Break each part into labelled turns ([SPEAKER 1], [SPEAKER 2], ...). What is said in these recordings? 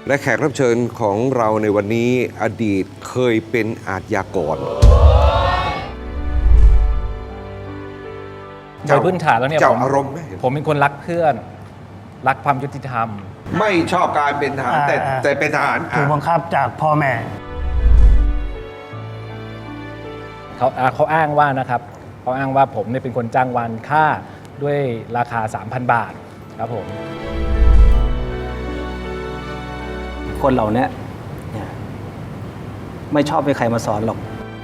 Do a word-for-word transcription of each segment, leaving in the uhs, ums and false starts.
[SPEAKER 1] และแขกรับเชิญของเราในวันนี้อดีตเคยเป็นอาชญากร
[SPEAKER 2] โดยพื้นฐานแล้วเนี่ย
[SPEAKER 1] เจ้า
[SPEAKER 2] ผม
[SPEAKER 1] อารมณ์ไหม
[SPEAKER 2] ผมเป็นคนรักเพื่อน รักความยุติธรรม
[SPEAKER 1] ไม่ชอบการเป็นทหารแต่
[SPEAKER 3] อ่า
[SPEAKER 1] แต่เป็นทหาร
[SPEAKER 3] ถูกบังคับจากพ่อแม่
[SPEAKER 2] เขาอ่าเขาอ้างว่านะครับเขาอ้างว่าผมเนี่ยเป็นคนจ้างวานฆ่าด้วยราคา สามพัน บาทครับผม
[SPEAKER 4] คนเหล่านี้เนี่ยไม่ชอบให้ใครมาสอนหรอก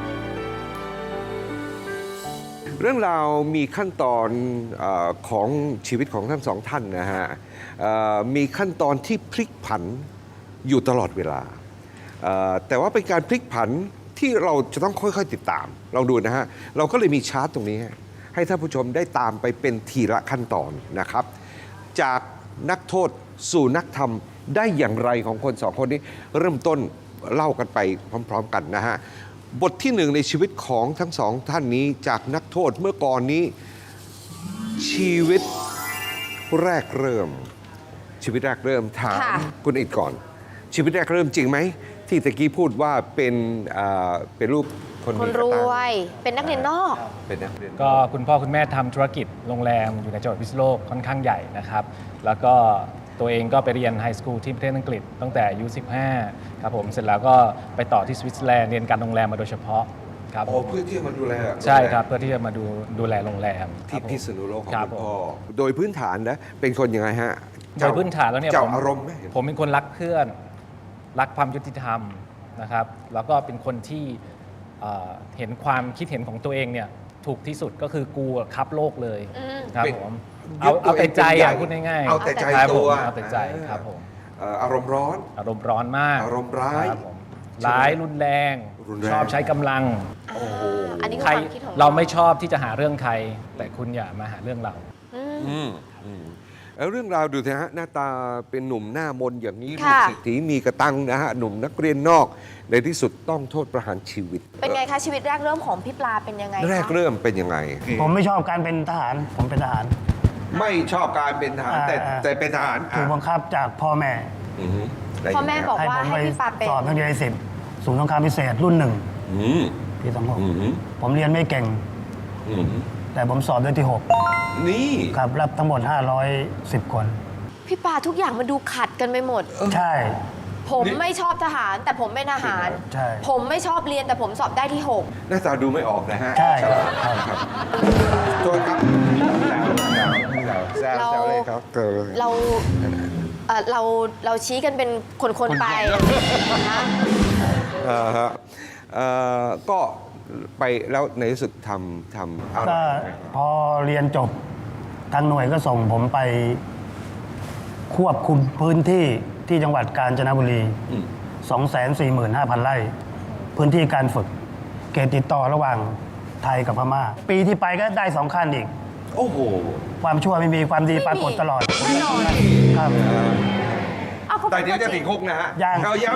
[SPEAKER 1] เรื่องราวมีขั้นตอนเออของชีวิตของทั้งสองท่านนะฮะเอ่อมีขั้นตอนที่พลิกผันอยู่ตลอดเวลาเอ่อแต่ว่าเป็นการพลิกผันที่เราจะต้องค่อยๆติดตามลองดูนะฮะเราก็เลยมีชาร์ตตรงนี้ ให้ท่านผู้ชมได้ตามไปเป็นทีละขั้นตอนนะครับ จากนักโทษสู่นักธรรมได้อย่างไรของคนสองคนนี้เริ่มต้นเล่ากันไปพร้อมๆกันนะฮะบทที่หนึ่งในชีวิตของทั้งสองท่านนี้จากนักโทษเมื่อก่อนนี้ชีวิตแรกเริ่ม ชีวิตแรกเริ่มถาม
[SPEAKER 5] ค่ะ
[SPEAKER 1] คุณอิดก่อน ชีวิตแรกเริ่มจริงไหมที่ตะกี้พูดว่าเป็นอ่าเป็นลูกคน
[SPEAKER 5] คน
[SPEAKER 1] มีก
[SPEAKER 5] ร
[SPEAKER 1] ตัง
[SPEAKER 5] วย เป็นนักเรียนนอก
[SPEAKER 1] เป็นนักเรียน
[SPEAKER 2] ก็คุณพ่อคุณแม่ทำธุรกิจโรงแรมอยู่ในจังหวัดพิษณุโลกค่อนข้างใหญ่นะครับ แล้วก็ตัวเองก็ไปเรียนไฮสคูลที่ประเทศอังกฤษตั้งแต่อายุ สิบห้า ครับผม เสร็จแล้วก็ไปต่อที่สวิตเซอร์แลนด์เรียนการโรงแรมมาโดยเฉพาะครับ
[SPEAKER 1] อ๋อเพื่อที่จะมาดูแล
[SPEAKER 2] ใช่ครับ เพื่อที่จะมาดูดูแลโรงแรมครั
[SPEAKER 1] ที่
[SPEAKER 2] บผม
[SPEAKER 1] พิษณุโลกของ
[SPEAKER 2] ครับ
[SPEAKER 1] คุณ
[SPEAKER 2] ผม
[SPEAKER 1] พ่อโดยพื้นฐานนะเป็นคนยังไงฮะ
[SPEAKER 2] โดยพื้นฐานแล้วเนี่ย
[SPEAKER 1] เจ้า
[SPEAKER 2] ผม
[SPEAKER 1] อารมณ์ไหม
[SPEAKER 2] ผมเป็นคนรักเพื่อน รักความยุติธรรมนะครับ แล้วก็เป็นคนที่เอ่อเห็นความคิดเห็นของตัวเองเนี่ยถูกที่สุดก็คือกูอะคับโลกเลย
[SPEAKER 5] อืม
[SPEAKER 2] ครับ
[SPEAKER 1] เป็น
[SPEAKER 2] ผมเอา
[SPEAKER 1] ยึดตัว
[SPEAKER 2] เอาแต่ใจ
[SPEAKER 1] เองเป็นใหญ่
[SPEAKER 2] อ่ะพูดง่ายๆ
[SPEAKER 1] เอาแต่ใจ
[SPEAKER 2] ครับผม
[SPEAKER 1] ตัว
[SPEAKER 2] เอาแต่ใจครับผม
[SPEAKER 1] เอ่ออารมณ์ร้อน
[SPEAKER 2] อารมณ์ร้อนมาก
[SPEAKER 1] อารมณ์ร้าย
[SPEAKER 2] คบผมร้ายรุนแรง
[SPEAKER 1] รุนแรง
[SPEAKER 2] ชอบใช้กำลัง
[SPEAKER 1] โอ้โห
[SPEAKER 5] อันนี้คือ
[SPEAKER 2] ใคร
[SPEAKER 5] ความคิดของ
[SPEAKER 2] เราไม่ชอบที่จะหาเรื่องใคร แต่คุณอย่ามาหาเรื่องเรา
[SPEAKER 5] อืม
[SPEAKER 1] อืมอืมแล้วเรื่องราวดูสิฮะหน้าตาเป็นหนุ่มหน้ามนอย่างนี้ลูก
[SPEAKER 5] ค่ะ
[SPEAKER 1] เศรษฐีมีกระตังนะฮะหนุ่มนักเรียนนอก ในที่สุดต้องโทษประหารชีวิต
[SPEAKER 5] เป็นไงคะชีวิตแรกเริ่มของพี่ปลาเป็นยังไงคะ
[SPEAKER 1] แรกเริ่มเป็นยังไง
[SPEAKER 3] ผมไม่ชอบการเป็นทหาร ผมเป็นทหาร
[SPEAKER 1] ไม่ชอบการเป็นทหารแต่
[SPEAKER 3] อ่า
[SPEAKER 1] แต่เป็นทหาร
[SPEAKER 3] ถูกบังคับจากพ่อแม่
[SPEAKER 1] อือฮึได้
[SPEAKER 5] พ่อแม่บอก
[SPEAKER 3] ให้
[SPEAKER 5] ว่า
[SPEAKER 3] ผม
[SPEAKER 5] ให้
[SPEAKER 3] ไป
[SPEAKER 5] พี่ปลาเป็น
[SPEAKER 3] สอบนักเรียนในสิบศูนย์สงครามพิเศษรุ่นหนึ่ง
[SPEAKER 1] อืม
[SPEAKER 3] ปีสองหก
[SPEAKER 1] อืม
[SPEAKER 3] ผมเรียนไม่เก่ง
[SPEAKER 1] อืม
[SPEAKER 3] แต่ผมสอบได้ที่หก
[SPEAKER 1] นี่
[SPEAKER 3] ครับรับทั้งหมดห้าร้อยสิบคน
[SPEAKER 5] พี่ปลาทุกอย่างมันดูขัดกันไปหมด
[SPEAKER 3] ใช่
[SPEAKER 5] ผมไม่ชอบทหาร แต่ผมเป็นทหาร
[SPEAKER 3] ใช่
[SPEAKER 5] ผมไม่ชอบเรียนแต่ผมสอบได้ที่หก
[SPEAKER 1] หน้าตาดูไม่ออกนะฮะ
[SPEAKER 3] ใช่
[SPEAKER 1] ฉลาด
[SPEAKER 3] ครับ
[SPEAKER 1] ครับโทษครับแซวแซวแซวแซวเลยครับเออ
[SPEAKER 5] เราเอ่อเราเราชี้กันเป็นคนๆไปนะ
[SPEAKER 1] เอ่อฮะเอ่อก็ไปแล้วในที่สุดทำทำอะไร
[SPEAKER 3] ก็พอเรียนจบทางหน่วยก็ส่งผมไปควบคุมพื้นที่ที่จังหวัดกาญจนบุรี
[SPEAKER 1] อืม
[SPEAKER 3] สองแสนสี่หมื่นห้าพันไร่ พื้นที่การฝึก เขตติดต่อระหว่างไทยกับพม่า ปีที่ไปก็ได้สองขั้นอีก
[SPEAKER 1] โอ้โห
[SPEAKER 3] ความชั่วไม่มีความดีปรากฏตลอด
[SPEAKER 5] แน่นอน
[SPEAKER 3] ครับ
[SPEAKER 5] เอาเขา
[SPEAKER 1] แต่
[SPEAKER 5] เป็น
[SPEAKER 1] เดี๋ยวจะ
[SPEAKER 5] ตัวจ
[SPEAKER 1] ติ
[SPEAKER 5] ริ
[SPEAKER 1] ด
[SPEAKER 5] ง
[SPEAKER 1] คุกนะฮะ
[SPEAKER 3] ยัง
[SPEAKER 1] เอายัง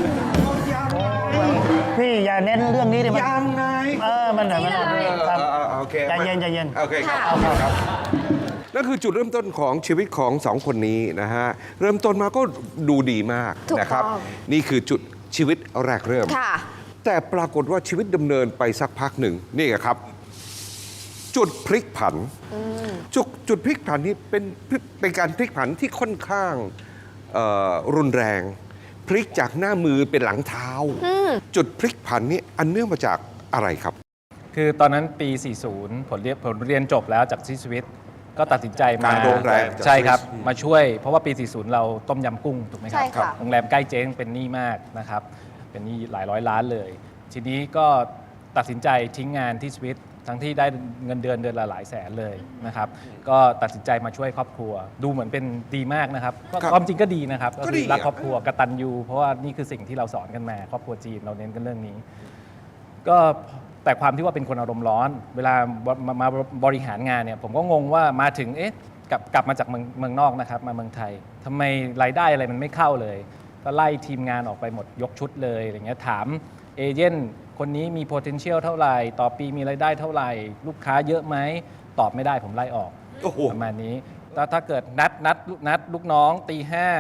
[SPEAKER 3] พี่อย่าเน้นเรื่องนี้ดิมัน
[SPEAKER 1] ยังไง
[SPEAKER 3] เออมันเดี๋ยวมัน
[SPEAKER 5] นี่เลย
[SPEAKER 3] ครับ
[SPEAKER 1] เออเออโอเค
[SPEAKER 3] ใจเย็นใจเย็น
[SPEAKER 1] โอเคครับ
[SPEAKER 5] ค่ะ
[SPEAKER 1] โอเคครับนั่นคือจุดเริ่มต้นของชีวิตของสองคนนี้นะฮะ เริ่มต้นมาก็ดูดีมาก
[SPEAKER 5] ถูก
[SPEAKER 1] นะครับ
[SPEAKER 5] ต้อง
[SPEAKER 1] นี่คือจุดชีวิตแรกเริ่ม
[SPEAKER 5] ค่ะ
[SPEAKER 1] แต่ปรากฏว่าชีวิตดำเนินไปสักพักหนึ่งนี่ไงครับ จุดพลิกผัน จุดจุดพลิกผันนี้เป็นเป็นการพลิกผันที่ค่อนข้างเอ่อรุนแรง พลิกจากหน้ามือเป็นหลังเท้า จุดพลิกผันนี้อันเนื่องมาจากอะไรครับ
[SPEAKER 2] คือตอนนั้นปี สี่สิบ ผลเรียนผลเรียนจบแล้วจากที่สวิตก็ตัดสินใจมา
[SPEAKER 1] การโรงแรมจาก
[SPEAKER 2] ใช่ครับ
[SPEAKER 1] สวิส
[SPEAKER 2] มาช่วย เพราะว่าปี สี่สิบ เราต้มยำกุ้งถูกไหมครั
[SPEAKER 5] ใช่ค่ะ
[SPEAKER 2] โรงแรมใกล้เจ๊งเป็นหนี้มากนะครับ เป็นหนี้หลายร้อยล้านเลย ทีนี้ก็ตัดสินใจทิ้งงานที่สวิตทั้งที่ได้เงินเดือนเดือนละหลายแสนเลยนะครับ ก็ตัดสินใจมาช่วยครอบครัว ดูเหมือนเป็นดีมากนะครับก็
[SPEAKER 1] ครับ
[SPEAKER 2] ความจริงก็ดีนะครับ
[SPEAKER 1] ก็
[SPEAKER 2] ก็
[SPEAKER 1] ดี
[SPEAKER 2] คือรัก
[SPEAKER 1] อ่ะ
[SPEAKER 2] ครอบครัวกตัญญูเพราะว่านี่คือสิ่งที่เราสอนกันมา ครอบครัวจีนเราเน้นกันเรื่องนี้ ก็แต่ความที่ว่าเป็นคนอารมณ์ร้อน เวลามามาบริหารงานเนี่ยผมก็งงว่ามาถึงเอ๊ะกลับกลับมาจากเมืองเมืองนอกนะครับมาเมืองไทยทำไมรายได้อะไรมันไม่เข้าเลย ก็ไล่ทีมงานออกไปหมดยกชุดเลยอะไรเงี้ยถามเอเจนต์คนนี้มี potential เท่าไหร่ ต่อปีมีรายได้เท่าไหร่ ลูกค้าเยอะไหมตอบไม่ได้ผมไล่ออก
[SPEAKER 1] โอ้โห
[SPEAKER 2] ประมาณนี้แล้วถ้าเกิดนัดนัดนัดลูกน้องตีห้า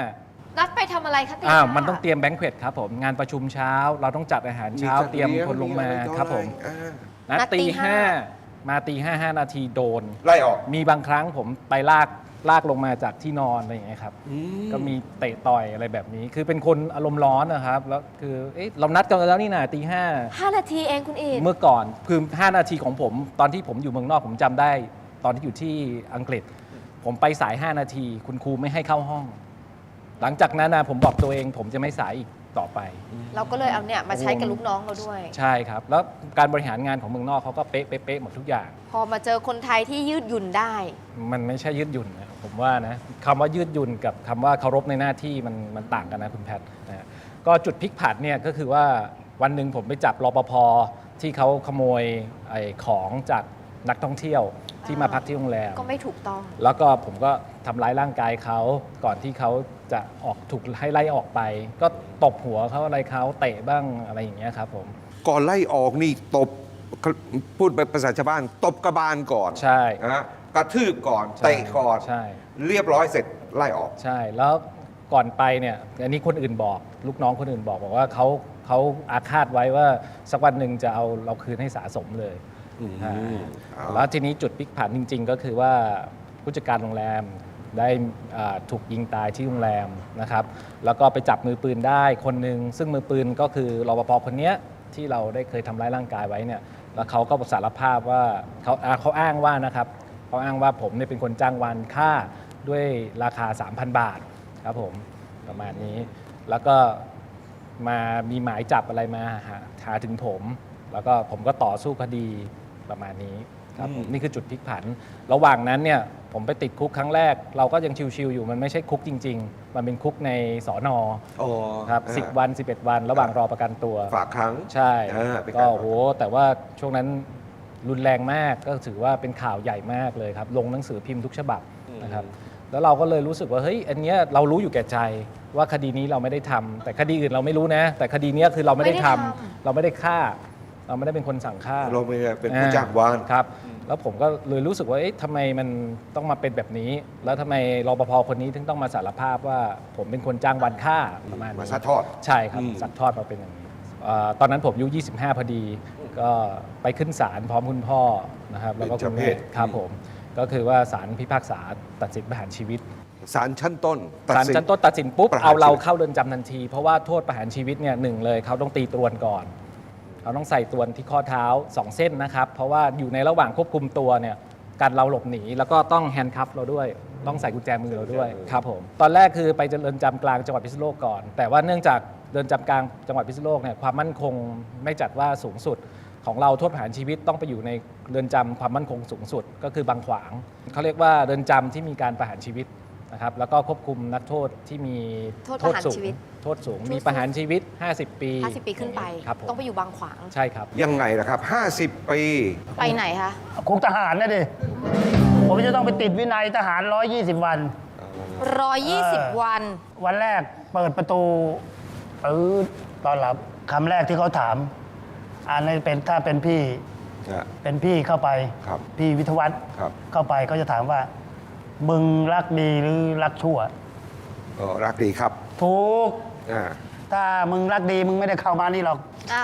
[SPEAKER 5] นัดไปทำอะไรคะตี
[SPEAKER 2] อ้าว
[SPEAKER 5] ห้า
[SPEAKER 2] มันต้องเตรียมแบงค์เควตครับผมงานประชุมเช้า เราต้องจัดอาหารเช้าเตรียมคนลงมาครับผม
[SPEAKER 1] อ่า
[SPEAKER 2] นัดตีห้ามาตีห้าห้านาทีโดน
[SPEAKER 1] ไล่ออก
[SPEAKER 2] มีบางครั้งผมไปลากลากลงมาจากที่นอนอะไรอย่างเงี้ยครับ ก็มีเตะต่อยอะไรแบบนี้ คือเป็นคนอารมณ์ร้อนนะครับ แล้วคือเอ๊ะเรานัดกันแล้วนี่นะตีห้า
[SPEAKER 5] ห้านาทีเองคุณอีก
[SPEAKER 2] เมื่อก่อนคือ ห้า นาทีของผม ตอนที่ผมอยู่เมืองนอกผมจำได้ ตอนที่อยู่ที่อังกฤษ ผมไปสาย ห้า นาที คุณครูไม่ให้เข้าห้อง หลังจากนั้นนะผมบอกตัวเอง ผมจะไม่สายอีกต่อไป
[SPEAKER 5] เราก็เลยเอาเนี่ยมาใช้กับลูกน้องเราด้วย
[SPEAKER 2] ใช่ครับ แล้วการบริหารงานของเมืองนอกเขาก็เป๊ะเป๊ะเป๊ะหมดทุกอย่าง
[SPEAKER 5] พอมาเจอคนไทยที่ยืดหยุ่นได้
[SPEAKER 2] มันไม่ใช่ยืดหยุ่นนะผมว่านะคำว่ายืดหยุ่นกับคำว่าเคารพในหน้าที่มันมันต่างกันนะคุณแพทย์นะฮะก็จุดพลิกผันเนี่ยก็คือว่าวันหนึ่งผมไปจับรปภที่เขาขโมยไอ้ของจากนักท่องเที่ยวที่มาพักที่โรงแรม
[SPEAKER 5] ก็ไม่ถูกต้อง
[SPEAKER 2] แล้วก็ผมก็ทำร้ายร่างกายเขาก่อนที่เขาจะออกถูกให้ไล่ออกไป ก็ตบหัวเขาอะไรเขาเตะบ้างอะไรอย่างเงี้ยครับผม
[SPEAKER 1] ก่อนไล่ออกนี่ตบพูดไปภาษาชาวบ้าน ตบกระบาลก่อน
[SPEAKER 2] ใช่
[SPEAKER 1] นะกระทืบก่อน
[SPEAKER 2] ใช่
[SPEAKER 1] เตะก่อน
[SPEAKER 2] ใช่
[SPEAKER 1] เรียบร้อยเสร็จไล่ออก
[SPEAKER 2] ใช่แล้วก่อนไปเนี่ยอันนี้คนอื่นบอก ลูกน้องคนอื่นบอกบอกว่าเขาเขาอาฆาตไว้ว่าสักวันหนึ่งจะเอาเราคืนให้สะสมเลย
[SPEAKER 1] อืม
[SPEAKER 2] อ่า
[SPEAKER 1] เอา
[SPEAKER 2] แล้วทีนี้จุดพลิกผันจริง ๆ ก็คือว่าผู้จัดการโรงแรมได้อ่าถูกยิงตายที่โรงแรมนะครับ แล้วก็ไปจับมือปืนได้คนหนึ่งซึ่งมือปืนก็คือรปภคนเนี้ยที่เราได้เคยทำร้ายร่างกายไว้เนี่ยแล้วเขาก็สารภาพว่าเขาอ่าเขาอ้างว่านะครับเขาอ้างว่าผมเนี่ยเป็นคนจ้างวานฆ่าด้วยราคา สามพัน บาทครับผมประมาณนี้ แล้วก็มามีหมายจับอะไรมาหาหาถึงผม แล้วก็ผมก็ต่อสู้คดีประมาณนี้ครับผมนี่คือจุดพลิกผัน ระหว่างนั้นเนี่ยผมไปติดคุกครั้งแรก เราก็ยังชิวๆอยู่มันไม่ใช่คุกจริง ๆ มันเป็นคุกในสอนอ
[SPEAKER 1] อ๋อ
[SPEAKER 2] ครับ
[SPEAKER 1] อ่า
[SPEAKER 2] สิบวัน สิบเอ็ด วัน ระหว่างรอประกันตัว
[SPEAKER 1] ฝากครั้ง
[SPEAKER 2] ใช่
[SPEAKER 1] อ่าเป็น
[SPEAKER 2] ก็
[SPEAKER 1] การ
[SPEAKER 2] โหแต่ว่าช่วงนั้นรุนแรงมากก็ถือว่าเป็นข่าวใหญ่มากเลยครับ ลงหนังสือพิมพ์ทุกฉบับนะครับ แล้วเราก็เลยรู้สึกว่าเฮ้ยอันเนี้ยเรารู้อยู่แก่ใจว่าคดีนี้เราไม่ได้ทำแต่คดีอื่นเราไม่รู้นะ แต่คดีเนี้ยคือเราไม่ได้ทำ
[SPEAKER 5] ไม่ได้ทำ
[SPEAKER 2] เราไม่ได้ฆ่า เราไม่ได้เป็นคนสั่งฆ่า
[SPEAKER 1] เราไม่ได้เป็นผู้จ้างวาน
[SPEAKER 2] ครับ แล้วผมก็เลยรู้สึกว่าเอ๊ะทำไมมันต้องมาเป็นแบบนี้ แล้วทำไมรปภคนนี้ถึงต้องมาสารภาพว่าผมเป็นคนจ้างวานฆ่าประมาณนี้
[SPEAKER 1] มาซัดทอด
[SPEAKER 2] ใช่ครับ
[SPEAKER 1] อืม
[SPEAKER 2] ซัดทอดมาเป็นอย่างนี้เอ่อตอนนั้นผมอายุยี่สิบห้าพอดี ก็ไปขึ้นศาลพร้อมคุณพ่อนะครับ แล้วก็คุณแม่ครับผม ก็คือว่าศาลพิพากษาตัดสินประหารชีวิต
[SPEAKER 1] ศาลชั้นต้นตัด
[SPEAKER 2] ศาล
[SPEAKER 1] สิน
[SPEAKER 2] ชั้นต้นตัดสินปุ๊บ
[SPEAKER 1] ประหาร
[SPEAKER 2] เอาเรา
[SPEAKER 1] ชีวิต
[SPEAKER 2] เข้าเรือนจำทันที เพราะว่าโทษประหารชีวิตเนี่ยหนึ่งเลยเขาต้องตีตรวนก่อนเขาต้องใส่ตรวนที่ข้อเท้าสองเส้นนะครับ เพราะว่าอยู่ในระหว่างควบคุมตัวเนี่ยการเราหลบหนีแล้วก็ต้องแฮนด์คัฟเราด้วย ต้องใส่กุญแจมือเราด้วยครับผมตอนแรกคือไปเรือนจำกลางจังหวัดพิษณุโลกก่อน แต่ว่าเนื่องจากเรือนจำกลางจังหวัดพิษณุโลกเนี่ยความมั่นคงไม่จัดว่าสูงสุด ของเราโทษประหารชีวิตต้องไปอยู่ในเรือนจำความมั่นคงสูงสุด ก็คือบางขวางเขาเรียกว่าเรือนจำที่มีการประหารชีวิตนะครับแล้วก็ควบคุมนักโทษที่มี
[SPEAKER 5] โทษประหาร
[SPEAKER 2] สูง
[SPEAKER 5] ชีวิต
[SPEAKER 2] โทษสูง
[SPEAKER 5] โทษสูง
[SPEAKER 2] มีประหารชีวิต ห้าสิบ ปี
[SPEAKER 5] ห้าสิบปีขึ้นไป
[SPEAKER 2] ครับผม
[SPEAKER 5] ต้องไปอยู่บางขวาง
[SPEAKER 2] ใช่ครับ
[SPEAKER 1] ยังไงล่ะครับ ห้าสิบ ปี
[SPEAKER 5] ไปไหนคะ
[SPEAKER 3] คุกทหารนะดิ ผมจะต้องไปติดวินัยทหาร ร้อยยี่สิบ วัน
[SPEAKER 5] ร้อยยี่สิบ
[SPEAKER 3] เออ
[SPEAKER 5] วัน
[SPEAKER 3] วันแรกเปิดประตูปื๊ดตอนรับคำแรกที่เขาถามอันนี้เป็นถ้าเป็นพี่
[SPEAKER 1] นะ
[SPEAKER 3] เป็นพี่เข้าไป
[SPEAKER 1] ครับ
[SPEAKER 3] พี่วิทยวัฒน์
[SPEAKER 1] ครับ
[SPEAKER 3] เข้าไปก็จะถามว่า มึงรักดีหรือรักชั่ว
[SPEAKER 1] เออรักดีครับ
[SPEAKER 3] ถูก
[SPEAKER 1] อ่า
[SPEAKER 3] ถ้ามึงรักดีมึงไม่ได้เข้ามานี่หรอก
[SPEAKER 5] อ้าว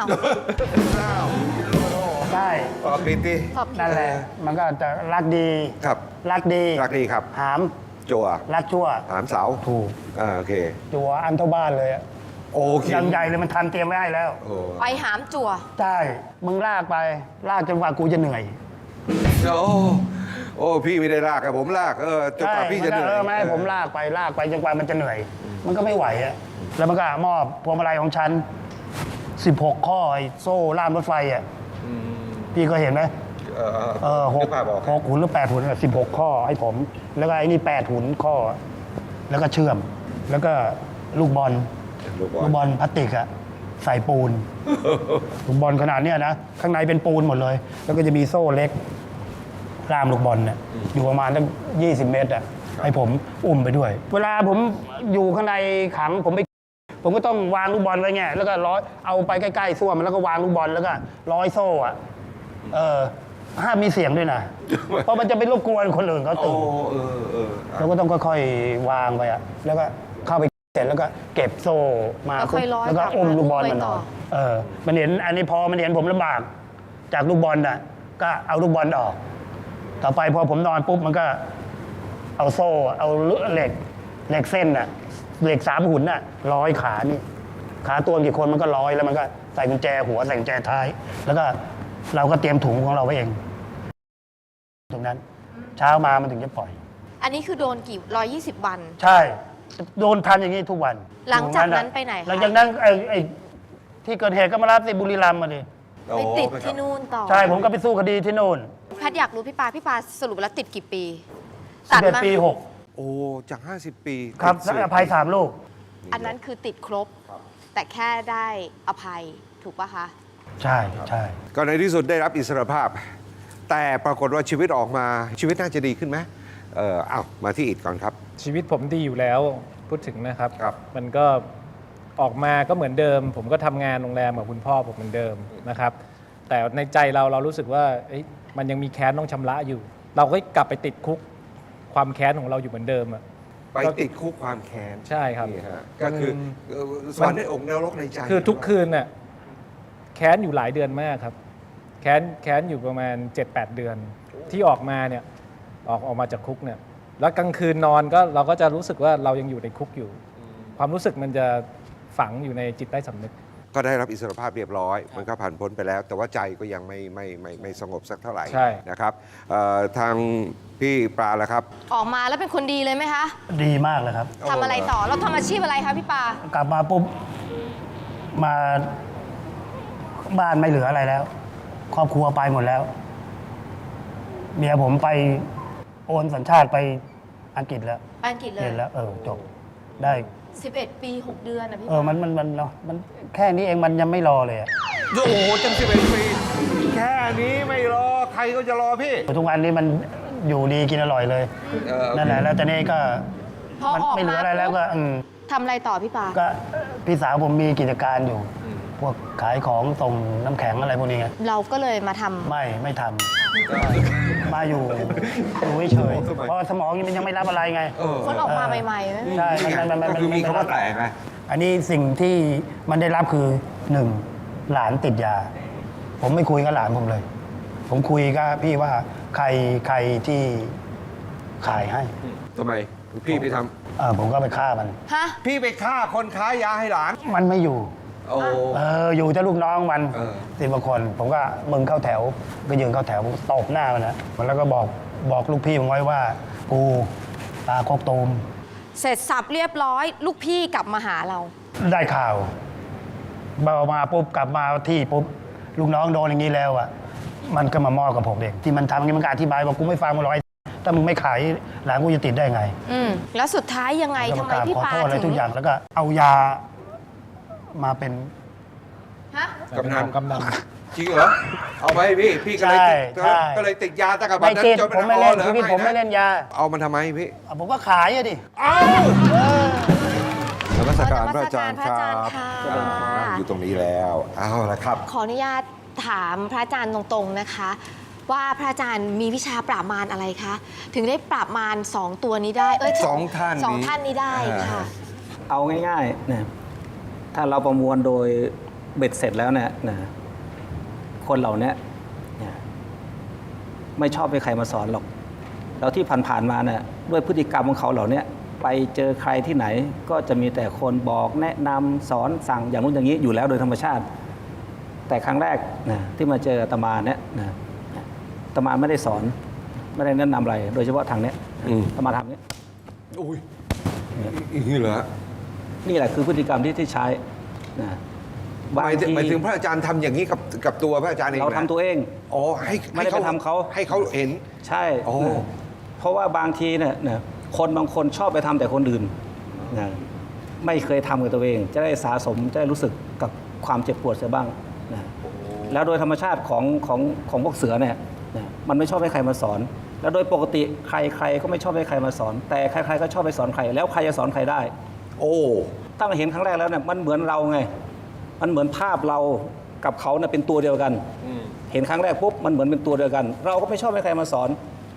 [SPEAKER 3] ใช่
[SPEAKER 1] อ๋อปิดดิ
[SPEAKER 5] ขอบ
[SPEAKER 3] นั่นแหละ มันก็จะรักดี
[SPEAKER 1] ครับ
[SPEAKER 3] รักดี
[SPEAKER 1] รักดีครับ
[SPEAKER 3] หาม
[SPEAKER 1] จัว
[SPEAKER 3] รักชั่ว
[SPEAKER 1] ถามเสา
[SPEAKER 3] ถูก
[SPEAKER 1] อ่าโอเค
[SPEAKER 3] จัวอันเท่าบ้านเลยอะ
[SPEAKER 1] โอเค
[SPEAKER 3] ยังใหญ่เลยมันทันเตรียมไว้ให้แล้ว
[SPEAKER 1] โอ้
[SPEAKER 5] ไปหามจั่ว
[SPEAKER 3] ใช่ มึงลากไป ลากจนกว่ากูจะเหนื่อย
[SPEAKER 1] โอ้โอ้พี่ไม่ได้ลากอะผมลากเออจนกว่าพี่จะเหนื่อย
[SPEAKER 3] เออไม่ให้ผมลากไป ลากไปจนกว่ามันจะเหนื่อย มันก็ไม่ไหวอะแล้วมันก็มอบพวงมาลัยของฉัน สิบหก ข้อไอ้โซ่ล่ามรถไฟอะพี่ก็เห็นไหม
[SPEAKER 1] เออ
[SPEAKER 3] เออห
[SPEAKER 1] นึ
[SPEAKER 3] ก
[SPEAKER 1] กภาพออก
[SPEAKER 3] หกหุ่นหรือแปดหุ่นสิบหกข้อให้ผม แล้วก็ไอ้นี่แปดหุ่นข้อ แล้วก็เชื่อม แล้วก็ลูกบอล
[SPEAKER 1] ลูกบอ
[SPEAKER 3] ลู
[SPEAKER 1] ล
[SPEAKER 3] กบอลพลาสติกอะใส่ปูน ลูกบอลขนาดเนี้ยนะ ข้างในเป็นปูนหมดเลย แล้วก็จะมีโซ่เล็กล่ามลูกบอลเนี่ยอยู่ประมาณตั้งยี่สิบเมตรอะให้ผมอุ้มไปด้วย เวลาผมอยู่ข้างในขังผมไป ผมก็ต้องวางลูกบอลไว้ไงแล้วก็ร้อยเอาไปใกล้ๆส้วมแล้วก็วางลูกบอลแล้วก็ร้อยโซ่อะเออห้ามมีเสียงด้วยนะ เพราะมันจะไปรบกวนคนอื่นเขา
[SPEAKER 1] โอ้
[SPEAKER 3] ตื่น
[SPEAKER 1] เออเออ
[SPEAKER 3] เราก็ต้องค่อยๆวางไปอะแล้วก็เข้าไปเสร็จแล้วก็เก็บโซ่มา
[SPEAKER 5] แล้วค่อยร้อย
[SPEAKER 3] แล้วก็
[SPEAKER 5] กลับ
[SPEAKER 3] อุ้ม
[SPEAKER 5] มา
[SPEAKER 3] ลูกบอล
[SPEAKER 5] ไป
[SPEAKER 3] มัน
[SPEAKER 5] ต่
[SPEAKER 3] น
[SPEAKER 5] อ
[SPEAKER 3] อนเออมันเห็นอันนี้พอมันเห็นผมลำบากจากลูกบอลน่ะก็เอาลูกบอลออก ต่อไปพอผมนอนปุ๊บมันก็เอาโซ่เอาเหล็กเหล็กเส้นน่ะเหล็กสามหุ่นน่ะร้อยขานี่ขาตัวกี่คนมันก็ร้อยแล้วมันก็ใส่กุญแจหัวใส่กุญแจท้าย แล้วก็เราก็เตรียมถุงของเราไว้เอง ตรงนั้น เช้ามามันถึงจะปล่อย
[SPEAKER 5] อันนี้คือโดนกี่ร้อยยี่สิบวัน
[SPEAKER 3] ใช่ โดนพันอย่างนี้ทุกวัน
[SPEAKER 5] หลังจากนั้นไปไหนคะ
[SPEAKER 3] หลังจากนั้นไอ้ไอ้ที่เกิดเหตุก็มารับที่บุรีรัมย์มาดิ
[SPEAKER 5] ไปติดที่นู่นต่อ
[SPEAKER 3] ใช่ผมก็ไปสู้คดีที่โน่น
[SPEAKER 5] แพทย์อยากรู้พี่ปาพี่ปาสรุปแล้วติดกี่ปี
[SPEAKER 3] สิบเอ็ด
[SPEAKER 5] มา
[SPEAKER 3] ปีหก
[SPEAKER 1] โอ้จาก ห้าสิบ ปี
[SPEAKER 3] ครับ
[SPEAKER 1] ติด
[SPEAKER 3] อภัยสามลูก
[SPEAKER 5] อันนั้นคือติดครบ แต่แค่ได้อภัยถูกปะคะ
[SPEAKER 3] ใช่ใช่
[SPEAKER 1] ก็ในที่สุดได้รับอิสรภาพ แต่ปรากฏว่าชีวิตออกมาชีวิตน่าจะดีขึ้นไหมเออเอามาที่อิดก่อนครับ
[SPEAKER 2] ชีวิตผมดีอยู่แล้วพูดถึงนะครับ
[SPEAKER 1] ครับ
[SPEAKER 2] มันก็ออกมาก็เหมือนเดิม ผมก็ทำงานโรงแรมกับคุณพ่อผมเหมือนเดิมนะครับ แต่ในใจเราเรารู้สึกว่าเอ๊ะมันยังมีแค้นต้องชำระอยู่ เราก็กลับไปติดคุกความแค้นของเราอยู่เหมือนเดิมอะ
[SPEAKER 1] ไปติดคุกความแค้น
[SPEAKER 2] ใช่ครับ
[SPEAKER 1] นี่ฮะก็คือเอ่อสอนในอกนรกในใจ
[SPEAKER 2] คือทุกคืนน่ะแค้นอยู่หลายเดือนมากครับ แค้นแค้นอยู่ประมาณ เจ็ดแปด เดือน ที่ออกมาเนี่ยออกออกมาจากคุกเนี่ยแล้วกลางคืนนอนก็เราก็จะรู้สึกว่าเรายังอยู่ในคุกอยู่ ความรู้สึกมันจะฝังอยู่ในจิตใต้สำนึก
[SPEAKER 1] ก็ได้รับอิสรภาพเรียบร้อย มันก็ผ่านพ้นไปแล้ว แต่ว่าใจก็ยังไม่ไม่ไม่ไม่สงบสักเท่าไหร่
[SPEAKER 2] ใช่
[SPEAKER 1] นะครับเอ่อทางพี่ปลาละครับ
[SPEAKER 5] ออกมาแล้วเป็นคนดีเลยไหมคะ
[SPEAKER 3] ดีมากเลยครับ
[SPEAKER 5] ทำอะไรต่อเราทำอาชีพอะไรคะพี่ปา
[SPEAKER 3] กลับมาปุ๊บมาบ้านไม่เหลืออะไรแล้ว ครอบครัวไปหมดแล้ว เมียผมไปโอนสัญชาติไปอังกฤษแล้ว
[SPEAKER 5] ไปอังกฤษเล
[SPEAKER 3] เห็
[SPEAKER 5] ย
[SPEAKER 3] นแล้ว เออจบได้
[SPEAKER 5] สิบเอ็ด ปี หก เดือนนะพี่
[SPEAKER 3] เออมันมันมันเนาะมันแค่นี้เองมันยังไม่รอเลยอะ
[SPEAKER 1] โอ้โหจังสิบเอ็ดปีแค่นี้ไม่รอ ใครก็จะรอพี่
[SPEAKER 3] ทุกวันนี้มันอยู่ดีกินอร่อยเลย
[SPEAKER 1] เออ
[SPEAKER 3] นั่นแหละแล้วตอนนี้ก็
[SPEAKER 5] พอ
[SPEAKER 3] มัน
[SPEAKER 5] ออก
[SPEAKER 3] ไม่เหลื
[SPEAKER 5] มา
[SPEAKER 3] ออะไรแล้วก็อืม
[SPEAKER 5] ทำอะไรต่อพี่ปา
[SPEAKER 3] ก็พี่สาวผมมีกิจการอยู่ พวกขายของส่งน้ำแข็งอะไรพวกนี้ไง
[SPEAKER 5] เราก็เลยมาทำ
[SPEAKER 3] ไม่ไม่ทำมาอยู่อยู่เฉยๆเพราะสมองมันยังไม่รับอะไรไง
[SPEAKER 1] เออ
[SPEAKER 5] คนออกมาใหม่ๆไหม
[SPEAKER 3] ใช่มันมันมัน
[SPEAKER 1] ก็คือมีคำว่าแต่ไง
[SPEAKER 3] อันนี้สิ่งที่มันได้รับคือหนึ่งหลานติดยา ผมไม่คุยกับหลานผมเลย ผมคุยกับพี่ว่าใครใครที่ขายให้
[SPEAKER 1] ทำไมพี่ไปท
[SPEAKER 3] เออผมก็ไปฆ่ามัน
[SPEAKER 5] ฮะ
[SPEAKER 1] ำพี่ไปฆ่าคนค้ายาให้หลาน
[SPEAKER 3] มันไม่อยู่
[SPEAKER 1] โอ้
[SPEAKER 3] เอออยู่แต่ลูกน้องมัน
[SPEAKER 1] เออ
[SPEAKER 3] สิบกว่าคน ผมก็มึงเข้าแถว ก็ยืนเข้าแถวผมตบหน้ามันนะมันแล้วก็บอกบอกลูกพี่ผมไว้ว่ากูตาโคกตูม
[SPEAKER 5] เสร็จสับเรียบร้อย ลูกพี่กลับมาหาเรา
[SPEAKER 3] ได้ข่าวเบามาปุ๊บกลับมาที่ปุ๊บลูกน้องโดนอย่างนี้แล้วอ่ะมันก็มามอบกับผมเองที่มันทำอย่างนี้มันก็อธิบายบอกกูไม่ฟังมันหรอกไอ้ถ้ามึงไม่ขายหลานกูจะติดได้ไง
[SPEAKER 5] อืมแล้วสุดท้ายยังไง
[SPEAKER 3] แล้ว
[SPEAKER 5] ทำ
[SPEAKER 3] ก็
[SPEAKER 5] ไม
[SPEAKER 3] กราบ
[SPEAKER 5] พี่
[SPEAKER 3] ขอ
[SPEAKER 5] ปา
[SPEAKER 3] โทษอะไร
[SPEAKER 5] ถึ
[SPEAKER 3] ทุ
[SPEAKER 5] ง
[SPEAKER 3] กอย่างแล้วก็เอายามาเป็น
[SPEAKER 5] ฮะ
[SPEAKER 1] กำนัน
[SPEAKER 2] กำนัน
[SPEAKER 1] จริงเหรอ เอาไปพี่ พี่ก็เลยติด
[SPEAKER 3] ใช่
[SPEAKER 1] ก็เลยติดยาตั้งแต่บัด
[SPEAKER 3] ไม่
[SPEAKER 1] นั้น
[SPEAKER 3] ติด
[SPEAKER 1] จน
[SPEAKER 3] ผมไม่เล่นชีวิตผมไม่เล่นยา
[SPEAKER 1] เอามันทำไมพี่
[SPEAKER 3] อ่ะผมก็ขายอะดิ
[SPEAKER 1] เอานมัสการพระอาจารย์
[SPEAKER 5] นมัสการพระอาจารย์
[SPEAKER 1] ครับ
[SPEAKER 5] ค่ะ
[SPEAKER 1] นั่งอยู่ตรงนี้แล้ว เอาละครับ
[SPEAKER 5] ขออนุญาตถามพระอาจารย์ตรงๆนะคะ ว่าพระอาจารย์มีวิชาปราบมารอะไรคะ ถึงได้ปราบมารสองตัวนี้ได้ เอ้ย
[SPEAKER 1] สองท่านนี้
[SPEAKER 5] สองท่านนี้ได้ค่ะ
[SPEAKER 4] เอาง่ายๆนะถ้าเราประมวลโดยเบ็ดเสร็จแล้วเนี่ยนะคนเหล่านี้เนี่ยไม่ชอบให้ใครมาสอนหรอก แล้วที่ผ่านๆมาเนี่ยด้วยพฤติกรรมของเขาเหล่านี้ไปเจอใครที่ไหน ก็จะมีแต่คนบอกแนะนำสอนสั่งอย่างนู้นอย่างนี้อยู่แล้วโดยธรรมชาติ แต่ครั้งแรกนะที่มาเจออาตมาเนี่ยนะอาตมาไม่ได้สอนไม่ได้แนะนำอะไร โดยเฉพาะทางเนี้ย
[SPEAKER 1] อืม
[SPEAKER 4] อาตมาทำเนี้ย
[SPEAKER 1] อุ้ยอย่างนี้เหรอ
[SPEAKER 4] นี่แหละคือพฤติกรรมที่ที่ใช้นะ
[SPEAKER 1] หมายถึงหมายถึงพระอาจารย์ทำอย่างนี้กับกับตัวพระอาจารย์เอง
[SPEAKER 4] เรา
[SPEAKER 1] นะ
[SPEAKER 4] ทำตัวเอง
[SPEAKER 1] อ๋อให้
[SPEAKER 4] ไม่ได้ไปทำเขา
[SPEAKER 1] ให้เขาเห็น
[SPEAKER 4] ใช่
[SPEAKER 1] โอ้
[SPEAKER 4] นะเพราะว่าบางทีเนี่ยนะคนบางคนชอบไปทำแต่คนอื่นนะไม่เคยทำกับตัวเอง จะได้สะสมจะได้รู้สึกกับความเจ็บปวดเสียบ้างนะแล้วโดยธรรมชาติของของของพวกเสือเนี่ยนะมันไม่ชอบให้ใครมาสอน แล้วโดยปกติใครใครก็ไม่ชอบให้ใครมาสอน แต่ใครๆก็ชอบไปสอนใครแล้วใครจะสอนใครได้
[SPEAKER 1] โอ้
[SPEAKER 4] ถ้าเราเห็นครั้งแรกแล้วเนี่ยมันเหมือนเราไง มันเหมือนภาพเรากับเขาเนี่ยเป็นตัวเดียวกัน เห็นครั้งแรกปุ๊บมันเหมือนเป็นตัวเดียวกัน เราก็ไม่ชอบให้ใครมาสอน พ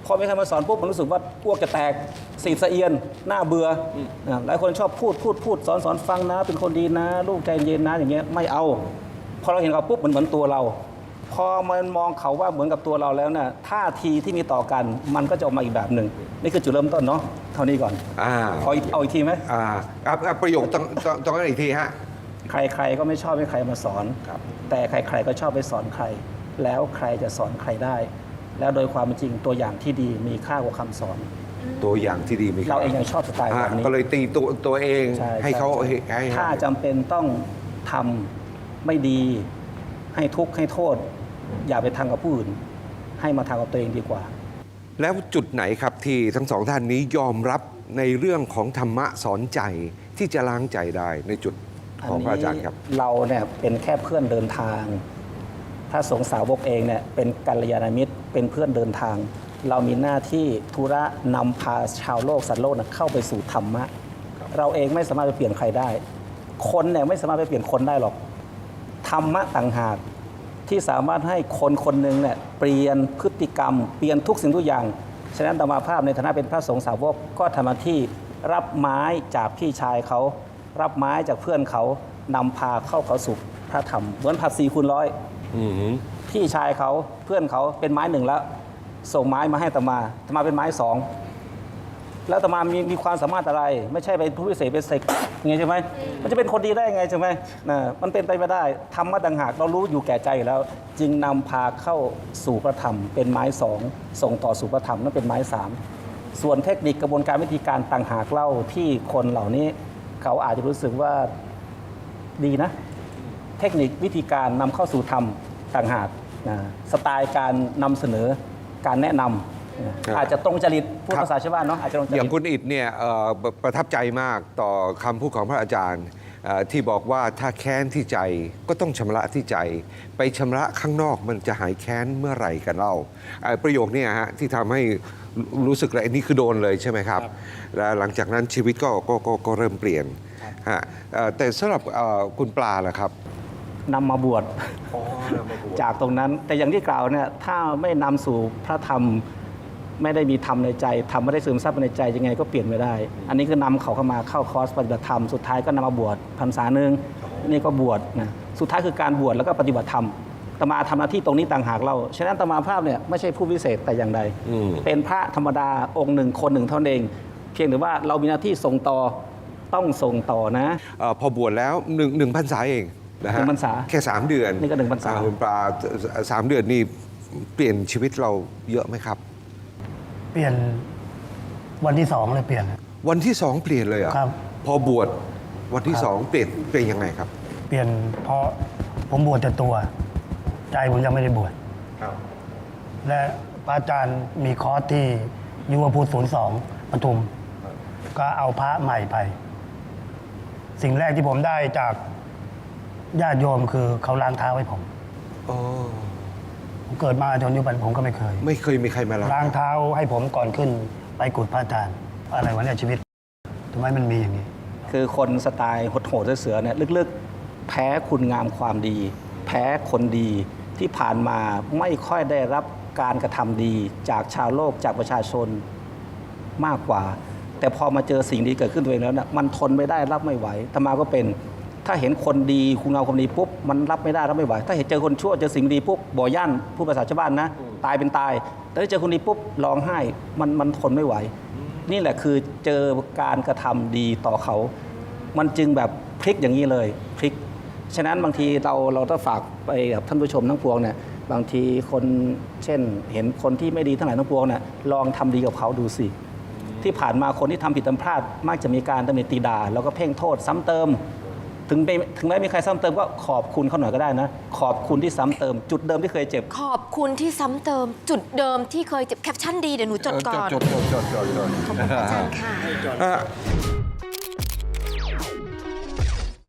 [SPEAKER 4] พอมีใครมาสอนปุ๊บมันรู้สึกว่าอ้วกจะแตกสีสะเอียนหน้าเบื่ออ่าหลายคนชอบพูดพูดพูดสอนสอนฟังนะ เป็นคนดีนะ ลูกใจเย็นนะอย่างเงี้ยไม่เอาพอเราเห็นเขาปุ๊บมันเหมือนตัวเรา พอมันมองเขาว่าเหมือนกับตัวเราแล้วเนี่ยท่าทีที่มีต่อกันมันก็จะออกมาอีกแบบหนึ่งนี่คือจุดเริ่มต้นเนาะเท่านี้ก่อน
[SPEAKER 1] อ่า
[SPEAKER 4] ขออีกเอาอีกทีไหม
[SPEAKER 1] อ่าอ่ะอ่ะประโยคต้องต้องต้องกันอีกทีฮะ
[SPEAKER 4] ใครๆก็ไม่ชอบให้ใครมาสอน แต่ใครๆก็ชอบไปสอนใคร แล้วใครจะสอนใครได้ แล้วโดยความเป็นจริงตัวอย่างที่ดีมีค่ากว่าคำสอน
[SPEAKER 1] ตัวอย่างที่ดีไหมครับ
[SPEAKER 4] เราเองยังชอบสไตล์
[SPEAKER 1] อ่า
[SPEAKER 4] แบบนี้
[SPEAKER 1] ก็เลยตีตัวตัวเอง
[SPEAKER 4] ใช่
[SPEAKER 1] ให้เขา
[SPEAKER 4] ใช่
[SPEAKER 1] ให้ให้
[SPEAKER 4] ถ้าจำเป็นต้องทำไม่ดี ให้ทุกข์ให้โทษ อย่าไปทำกับผู้อื่น ให้มาทำกับตัวเองดีกว่า
[SPEAKER 1] แล้วจุดไหนครับที่ทั้งสองท่านนี้ยอมรับในเรื่องของธรรมะสอนใจที่จะล้างใจได้ในจุดของพระอาจารย์ครับ
[SPEAKER 4] เราเนี่ยเป็นแค่เพื่อนเดินทาง ถ้าสงฆ์สาวกเองเนี่ยเป็นกัลยาณมิตรเป็นเพื่อนเดินทาง เรามีหน้าที่ธุระนำพาชาวโลกสัตว์โลกนะเข้าไปสู่ธรรมะ เราเองไม่สามารถไปเปลี่ยนใครได้ คนเนี่ยไม่สามารถไปเปลี่ยนคนได้หรอก ธรรมะต่างหากที่สามารถให้คนคนหนึ่งเนี่ยเปลี่ยนพฤติกรรม เปลี่ยนทุกสิ่งทุกอย่าง ฉะนั้นอาตมาภาพในฐานะเป็นพระสงฆ์สาวกก็ทำหน้าที่รับไม้จากพี่ชายเขา รับไม้จากเพื่อนเขานำพาเข้าเขาสู่พระธรรมเหมือนผัดสี่คูณร้อย
[SPEAKER 1] อือหือ
[SPEAKER 4] พี่ชายเขาเพื่อนเขาเป็นไม้หนึ่งแล้ว ส่งไม้มาให้อาตมาอาตมาเป็นไม้สองแล้วอาตมามีมีความสามารถอะไร ไม่ใช่ไปผู้พิเศษเป็นเสกไงใช่ไหมมันจะเป็นคนดีได้ไงใช่ไหมนะมันเป็นไปไม่ได้ธรรมะต่างหากเรารู้อยู่แก่ใจอยู่แล้ว จึงนำพาเข้าสู่พระธรรม เป็นไม้สองส่งต่อสู่พระธรรมนั่นเป็นไม้สามส่วนเทคนิคกระบวนการวิธีการต่างหากเล่าที่คนเหล่านี้ เขาอาจจะรู้สึกว่าดีนะ เทคนิควิธีการนำเข้าสู่ธรรมต่างหากนะสไตล์การนำเสนอการแนะนำนะ
[SPEAKER 1] ครับ
[SPEAKER 4] อาจจะตรงจริตพูด
[SPEAKER 1] ครับ
[SPEAKER 4] ภาษาชาวบ้านเนาะอาจจะตรงจ
[SPEAKER 1] อ
[SPEAKER 4] ริ
[SPEAKER 1] ย่าง
[SPEAKER 4] ต
[SPEAKER 1] คุณอิฐเนี่ยเอ่อประประทับใจมากต่อคำพูดของพระอาจารย์เอ่อที่บอกว่าถ้าแค้นที่ใจก็ต้องชำระที่ใจ ไปชำระข้างนอกมันจะหายแค้นเมื่อไหร่กันเล่าเอ่อประโยคเนี้ฮะที่ทำให้รู้รู้สึกอะไรนี่คือโดนเลยใช่ไหมครับ แล้วหลังจากนั้นชีวิตก็ก็ก็ก็เริ่มเปลี่ยนฮะเอ่อแต่สำหรับเอ่อคุณปลาล่ะครับ
[SPEAKER 4] นำมาบวชจากตรงนั้น แต่อย่างที่กล่าวเนี่ยถ้าไม่นำสู่พระธรรม ไม่ได้มีธรรมในใจธรรมไม่ได้ซึมซับในใจยังไงก็เปลี่ยนไม่ได้ อันนี้คือนำเขาเข้ามาเข้าคอร์สปฏิบัติธรรมสุดท้ายก็นำมาบวชพรรษาหนึ่งนี่ก็บวชนะสุดท้ายคือการบวชแล้วก็ปฏิบัติธรรมอาตมาทำหน้าที่ตรงนี้ต่างหากเราฉะนั้นอาตมาภาพเนี่ยไม่ใช่ผู้พิเศษแต่อย่างใด
[SPEAKER 1] อืม
[SPEAKER 4] เป็นพระธรรมดาองค์หนึ่งคนหนึ่งเท่านั้นเอง เพียงแต่ว่าเรามีหน้าที่ส่งต่อต้องส่งต่อนะ
[SPEAKER 1] เอ่อพอบวชแล้วหนึ่งหนึ่งพรรษาเองนะฮะ
[SPEAKER 4] หนึ่งพรรษา
[SPEAKER 1] แค่สามเดือน
[SPEAKER 4] นี่ก็หนึ่งพรรษา
[SPEAKER 1] อ่คุณปลาสามเดือนนี่เปลี่ยนชีวิตเราเยอะไหมครับ
[SPEAKER 3] เปลี่ยนวันที่สองเลยเปลี่ยน
[SPEAKER 1] วันที่สองเปลี่ยนเลยเหรอ่ะ
[SPEAKER 3] ครับ
[SPEAKER 1] พอบวชวันที่สองเปลี่ยนเปลี่ยนยังไงครับ
[SPEAKER 3] เปลี่ยนเพราะผมบวชแต่ตัว ใจผมยังไม่ได้บวชและพระอาจารย์มีคอร์สที่ยุวพุทธศูนย์สองปทุม ก็เอาพระใหม่ไป สิ่งแรกที่ผมได้จากญาติโยมคือเขาล้างเท้าให้ผม
[SPEAKER 1] อ๋อ
[SPEAKER 3] ผมเกิดมาจนยุบันผมก็ไม่เคย
[SPEAKER 1] ไม่เคยมีใครมาล้าง
[SPEAKER 3] ล้างเท้าให้ผมก่อนขึ้นไปกุฏพระอาจารย์ อะไรวะเนี่ยชีวิตทำไมมันมีอย่างนี้
[SPEAKER 4] คือคนสไตล์โหดๆเสือๆเนี่ยลึกๆ แพ้คุณงามความดี แพ้คนดีที่ผ่านมาไม่ค่อยได้รับการกระทำดีจากชาวโลกจากประชาชนมากกว่า แต่พอมาเจอสิ่งดีเกิดขึ้นตัวเองแล้วนะมันทนไม่ได้รับไม่ไหวธรรมาก็เป็น ถ้าเห็นคนดีคุณงามความดีปุ๊บมันรับไม่ได้รับไม่ไหว ถ้าเห็นเจอคนชั่วเจอสิ่งดีปุ๊บบ่อย่านผู้ภาษาชาวบ้านนะตายเป็นตาย แต่ถ้าเจอคนดีปุ๊บร้องไห้มันมันทนไม่ไหว นี่แหละคือเจอการกระทำดีต่อเขา มันจึงแบบพลิกอย่างนี้เลยพลิก ฉะนั้นบางทีเราเราต้องฝากไปกับท่านผู้ชมทั้งปวงเนี่ยบางทีคนเช่นเห็นคนที่ไม่ดีทั้งหลายทั้งปวงเนี่ยลองทำดีกับเขาดูสิ ที่ผ่านมาคนที่ทำผิดทำพลาดมักจะมีการตำหนิตีด่าแล้วก็เพ่งโทษซ้ำเติม ถึงไม่ถึงแม้มีใครซ้ำเติมก็ขอบคุณเขาหน่อยก็ได้นะ ขอบคุณที่ซ้ำเติม จุดเดิมที่เคยเจ็บ
[SPEAKER 5] ขอบคุณที่ซ้ำเติมจุดเดิมที่เคยเจ็บแคปชั่นดีเดี๋ยวหนูจดก่อน
[SPEAKER 1] จดจดจดจดจด
[SPEAKER 5] ขอบคุณพระอาจารย์ค่ะ
[SPEAKER 1] อ่ะ